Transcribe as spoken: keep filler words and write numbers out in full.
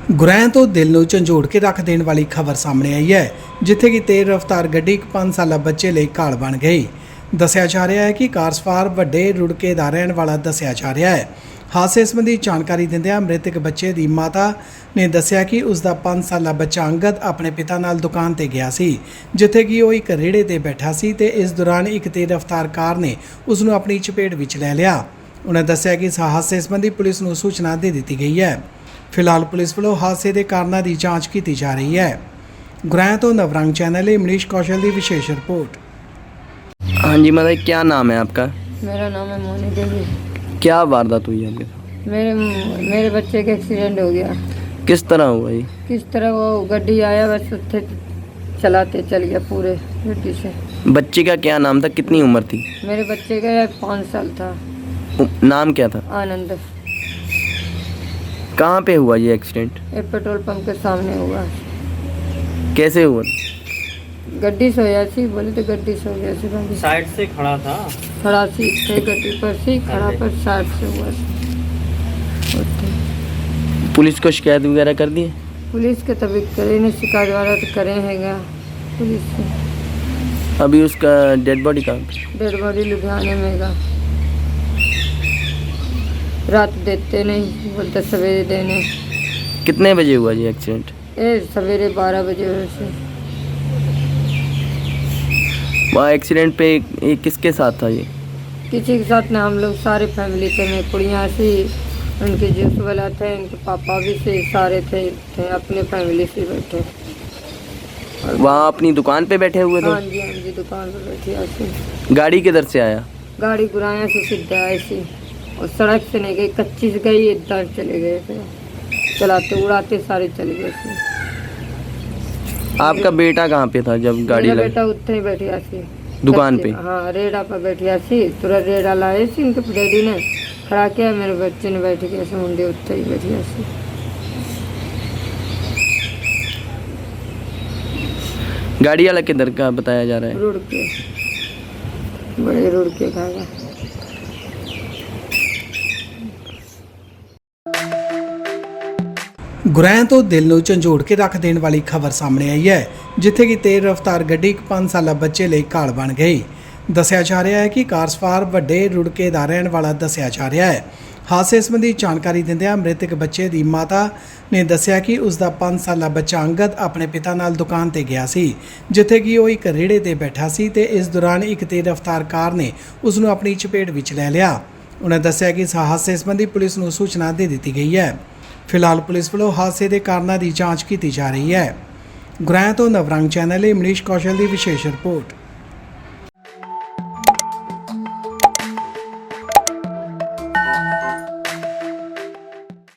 ਗੁਰੈਂ ਤੋਂ ਦਿਲ ਨੂੰ ਝੰਜੋੜ ਕੇ ਰੱਖ ਦੇਣ ਵਾਲੀ ਖਬਰ ਸਾਹਮਣੇ ਆਈ ਹੈ, ਜਿੱਥੇ ਕਿ ਤੇਜ਼ ਰਫ਼ਤਾਰ ਗੱਡੀ ਇੱਕ ਪੰਜ ਸਾਲਾ ਬੱਚੇ ਲਈ ਘਾਲ ਬਣ ਗਈ। ਦੱਸਿਆ ਜਾ ਰਿਹਾ ਹੈ ਕਿ ਕਾਰ ਸਵਾਰ ਵੱਡੇ ਰੁੜਕੇ ਦਾ ਰਹਿਣ ਵਾਲਾ ਦੱਸਿਆ ਜਾ ਰਿਹਾ ਹੈ। ਹਾਦਸੇ ਸੰਬੰਧੀ ਜਾਣਕਾਰੀ ਦਿੰਦਿਆਂ ਮ੍ਰਿਤਕ ਬੱਚੇ ਦੀ ਮਾਤਾ ਨੇ ਦੱਸਿਆ ਕਿ ਉਸ ਦਾ ਪੰਜ ਸਾਲਾ ਬੱਚਾ ਅੰਗਦ ਆਪਣੇ ਪਿਤਾ ਨਾਲ ਦੁਕਾਨ ਤੇ ਗਿਆ ਸੀ, ਜਿੱਥੇ ਕਿ ਉਹ ਇੱਕ ਰੇੜੇ ਤੇ ਬੈਠਾ ਸੀ ਤੇ ਇਸ ਦੌਰਾਨ ਇੱਕ ਤੇਜ਼ ਰਫ਼ਤਾਰ ਕਾਰ ਨੇ ਉਸ ਨੂੰ ਆਪਣੀ ਚਪੇਟ ਵਿੱਚ ਲੈ ਲਿਆ। ਉਹਨਾਂ ਦੱਸਿਆ ਕਿ ਇਸ ਹਾਦਸੇ ਸੰਬੰਧੀ ਪੁਲਿਸ ਨੂੰ ਸੂਚਨਾ ਦੇ ਦਿੱਤੀ ਗਈ ਹੈ। फिलहाल पुलिस वालों हादसे के कारणों की जांच की जा रही है। गुरैं तो नवरंग चैनल है मनीष कौशल की विशेष रिपोर्ट। हाँ जी, मतलब क्या नाम है आपका? मेरा नाम है मोनी देवी। क्या वारदात हुई है आपके? मेरे मेरे बच्चे का एक्सीडेंट हो गया। किस तरह हुआ ये? किस तरह वो गड्डी आया बस उत्थे चलाते चल गया पूरे गड्डी से। बच्चे का क्या नाम था, कितनी उम्र थी? मेरे बच्चे का पाँच साल था। नाम क्या था? आनंद। कहाँ पे हुआ ये एक्सीडेंट? एक पेट्रोल पंप के सामने हुआ। कैसे हुआ? गड्डी सोया सी, बोले तो गड्डी सो गया सी। गाड़ी साइड से खड़ा था। खड़ा सी थे गड्डी पर सी खड़ा पर साइड से हुआ सी। पुलिस को शिकायत वगैरह कर दी है? पुलिस के तभी करे नहीं, शिकायत वाला तो करे हैगा पुलिस से। अभी उसका डेड बॉडी कहाँ पे? डेड बॉडी लुधियाने में गा। रात देते नहीं, बोलते सवेरे देने। कितने बजे हुआ ये एक्सीडेंट? ये सवेरे बारह बजे से। वहाँ एक्सीडेंट पे ये किसके साथ था ये? किसी के साथ ना, हम लोग सारे फैमिली थे। मैं कुड़ियाँ सी, उनके जूस वाला थे, उनके पापा भी से, सारे थे, थे अपने फैमिली से बैठे। वहाँ अपनी दुकान पे बैठे हुए थे? हाँ जी, हाँ जी, दुकान पर बैठी ऐसी। गाड़ी किधर से आया? गाड़ी गुराया से सीधा ऐसी, और सड़क से नहीं गई, कच्ची से गई, इधर चले गए थे, चलाते उड़ाते सारे चले गए थे। आपका बेटा कहाँ पे था जब गाड़ी मेरा लगी? बेटा उत्थे ही बैठिया सी दुकान पे? हाँ, रेड़ा पर बैठिया सी। तुरंत रेड़ा लाए सी, उनके डैडी ने खड़ा किया, मेरे बच्चे ने बैठ के ऐसे मुंडे उत्थे ही बैठिया सी। गाड़ी वाला किधर का बताया जा रहा है? रुड़ के, बड़े रुड़ के खाएगा। ਗੁਰੈਂ ਤੋਂ ਦਿਲ ਨੂੰ ਝੰਜੋੜ ਕੇ ਰੱਖ ਦੇਣ ਵਾਲੀ ਖਬਰ ਸਾਹਮਣੇ ਆਈ ਹੈ, ਜਿੱਥੇ ਕਿ ਤੇਜ਼ ਰਫ਼ਤਾਰ ਗੱਡੀ ਇੱਕ ਪੰਜ ਸਾਲਾ ਬੱਚੇ ਲਈ ਘਾਲ ਬਣ ਗਈ। ਦੱਸਿਆ ਜਾ ਰਿਹਾ ਹੈ ਕਿ ਕਾਰ ਸਵਾਰ ਵੱਡੇ ਰੁੜਕੇ ਦਾ ਰਹਿਣ ਵਾਲਾ ਦੱਸਿਆ ਜਾ ਰਿਹਾ ਹੈ। ਹਾਦਸੇ ਸੰਬੰਧੀ ਜਾਣਕਾਰੀ ਦਿੰਦਿਆਂ ਮ੍ਰਿਤਕ ਬੱਚੇ ਦੀ ਮਾਤਾ ਨੇ ਦੱਸਿਆ ਕਿ ਉਸ ਦਾ ਪੰਜ ਸਾਲਾ ਬੱਚਾ ਅੰਗਦ ਆਪਣੇ ਪਿਤਾ ਨਾਲ ਦੁਕਾਨ ਤੇ ਗਿਆ ਸੀ, ਜਿੱਥੇ ਕਿ ਉਹ ਇੱਕ ਰੇੜੇ ਤੇ ਬੈਠਾ ਸੀ ਤੇ ਇਸ ਦੌਰਾਨ ਇੱਕ ਤੇਜ਼ ਰਫ਼ਤਾਰ ਕਾਰ ਨੇ ਉਸ ਨੂੰ ਆਪਣੀ ਚਪੇਟ ਵਿੱਚ ਲੈ ਲਿਆ। ਉਹਨਾਂ ਦੱਸਿਆ ਕਿ ਇਸ ਹਾਦਸੇ ਸੰਬੰਧੀ ਪੁਲਿਸ ਨੂੰ ਸੂਚਨਾ ਦੇ ਦਿੱਤੀ ਗਈ ਹੈ। फिलहाल पुलिस वालों हादसे के कारणों की जांच की जा रही है। गुरैं तो नवरंग चैनल है मनीष कौशल की विशेष रिपोर्ट।